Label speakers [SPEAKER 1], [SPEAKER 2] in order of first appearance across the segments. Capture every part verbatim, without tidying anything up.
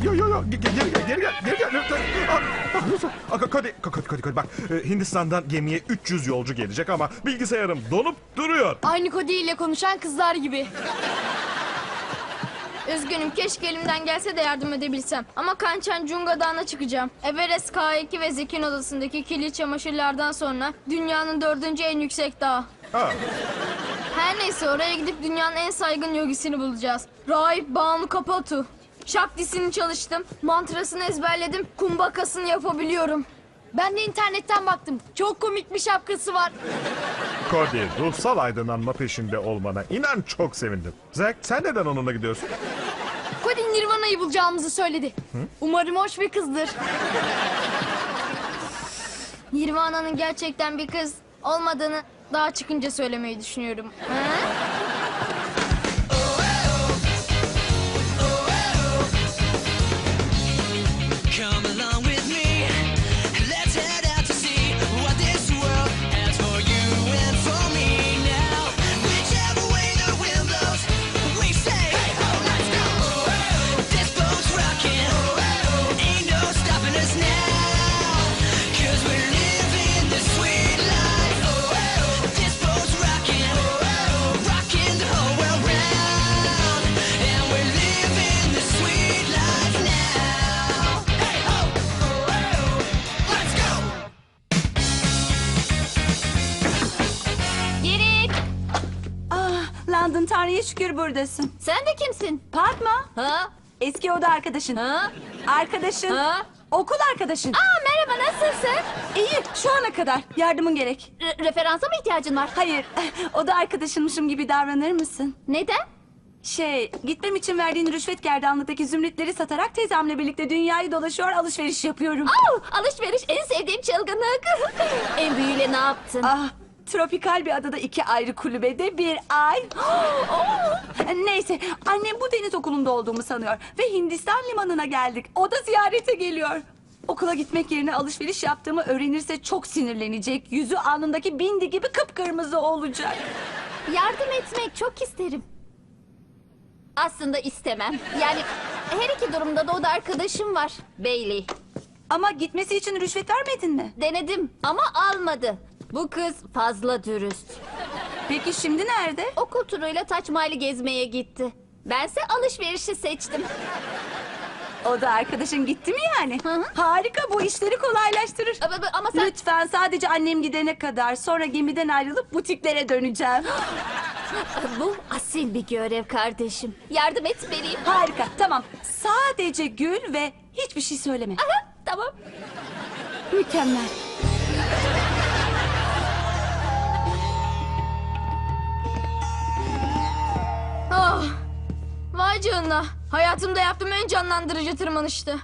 [SPEAKER 1] Yo yo yo geri geri geri geri gel geri gel lütfen. Ah, ah, lütfen. Ah, Cody, Cody, Cody, Cody, bak e, Hindistan'dan gemiye üç yüz yolcu gelecek ama bilgisayarım donup duruyor.
[SPEAKER 2] Aynı Cody ile konuşan kızlar gibi. Üzgünüm, keşke elimden gelse de yardım edebilsem. Ama Kanchenjunga Dağı'na çıkacağım. Everest K iki ve Zek'in odasındaki kirli çamaşırlardan sonra dünyanın dördüncü en yüksek dağı.
[SPEAKER 1] Ha.
[SPEAKER 2] Her neyse, oraya gidip dünyanın en saygın yogisini bulacağız. Rahip Banu Kapatu. Şaktisini çalıştım, mantrasını ezberledim, kumbhakasını yapabiliyorum. Ben de internetten baktım. Çok komik bir şapkası var.
[SPEAKER 1] Cody, ruhsal aydınlanma peşinde olmana inan çok sevindim. Zack, sen neden onunla gidiyorsun?
[SPEAKER 2] Cody Nirvana'yı bulacağımızı söyledi. Hı? Umarım hoş bir kızdır. Nirvana'nın gerçekten bir kız olmadığını daha çıkınca söylemeyi düşünüyorum. Ha?
[SPEAKER 3] London, Tanrı'ya şükür buradasın.
[SPEAKER 2] Sen de kimsin?
[SPEAKER 3] Fatma,
[SPEAKER 2] Ha?
[SPEAKER 3] eski oda arkadaşın.
[SPEAKER 2] Ha?
[SPEAKER 3] Arkadaşın.
[SPEAKER 2] Ha?
[SPEAKER 3] Okul arkadaşın.
[SPEAKER 2] Aa, merhaba, nasılsın?
[SPEAKER 3] İyi, şu ana kadar. Yardımın gerek.
[SPEAKER 2] Re- referansa mı ihtiyacın var?
[SPEAKER 3] Hayır, oda arkadaşınmışım gibi davranır mısın?
[SPEAKER 2] Neden?
[SPEAKER 3] Şey, gitmem için verdiğin rüşvet gerdanlıktaki zümrütleri satarak teyzemle birlikte dünyayı dolaşıyor, alışveriş yapıyorum.
[SPEAKER 2] Aa, alışveriş en sevdiğim çılgınlık. En büyüğüyle ne yaptın?
[SPEAKER 3] Ah, tropikal bir adada iki ayrı kulübede bir ay. Neyse, annem bu deniz okulunda olduğumu sanıyor ve Hindistan limanına geldik. O da ziyarete geliyor. Okula gitmek yerine alışveriş yaptığımı öğrenirse çok sinirlenecek. Yüzü alnındaki bindi gibi kıpkırmızı olacak.
[SPEAKER 2] Yardım etmek çok isterim. Aslında istemem. Yani her iki durumda da o da arkadaşım var. Bailey.
[SPEAKER 3] Ama gitmesi için rüşvet vermedin mi?
[SPEAKER 2] Denedim ama almadı. Bu kız fazla dürüst.
[SPEAKER 3] Peki şimdi nerede?
[SPEAKER 2] Okul turuyla Taç Mahal'i gezmeye gitti. Bense alışverişi seçtim.
[SPEAKER 3] O da arkadaşın gitti mi yani?
[SPEAKER 2] Hı hı.
[SPEAKER 3] Harika, bu işleri kolaylaştırır.
[SPEAKER 2] Ama, ama sen...
[SPEAKER 3] Lütfen sadece annem gidene kadar, sonra gemiden ayrılıp butiklere döneceğim.
[SPEAKER 2] Bu asil bir görev kardeşim. Yardım etmeliyim.
[SPEAKER 3] Harika, tamam. Sadece gül ve hiçbir şey söyleme.
[SPEAKER 2] Aha, tamam.
[SPEAKER 3] Mükemmel.
[SPEAKER 2] Ah, vay canına. Hayatımda yaptığım en canlandırıcı tırmanıştı.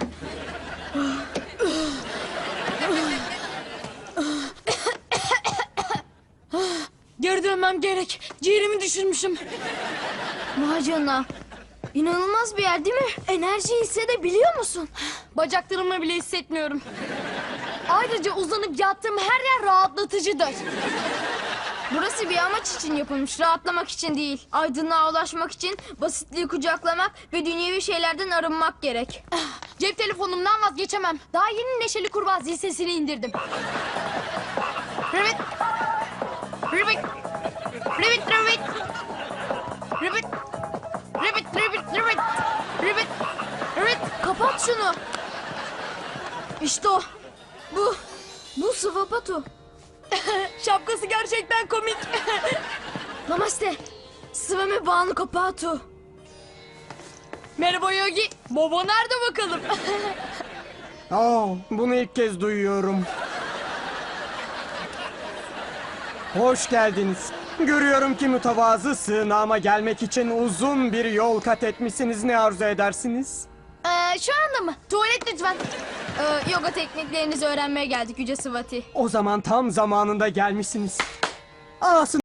[SPEAKER 2] Geri dönmem gerek. Ciğerimi düşürmüşüm. Vay canına. İnanılmaz bir yer değil mi? Enerjiyi hissedebiliyor musun? Bacaklarımı bile hissetmiyorum. Ayrıca uzanıp yattığım her yer rahatlatıcıdır. Burası bir amaç için yapılmış, rahatlamak için değil. Aydınlığa ulaşmak için basitliği kucaklamak ve dünyevi şeylerden arınmak gerek. Cep telefonumdan vazgeçemem. Daha yeni Neşeli Kurbağa zil sesini indirdim. Ribbit. Ribbit. Ribbit, ribbit. Ribbit. Ribbit, ribbit, ribbit. Ribbit. Ribbit. Kapat şunu. İşte o. Bu. Bu Svapatu. Şapkası gerçekten komik. Namaste. Svami Banu Kapatu. Merhaba Yogi. Baba nerede bakalım?
[SPEAKER 4] Oh, bunu ilk kez duyuyorum. Hoş geldiniz. Görüyorum ki mütevazı sığınağıma gelmek için uzun bir yol kat etmişsiniz. Ne arzu edersiniz?
[SPEAKER 2] Ee, şu anda mı? Tuvalet lütfen. Ee, yoga tekniklerinizi öğrenmeye geldik Yüce Swati.
[SPEAKER 4] O zaman tam zamanında gelmişsiniz. Aslında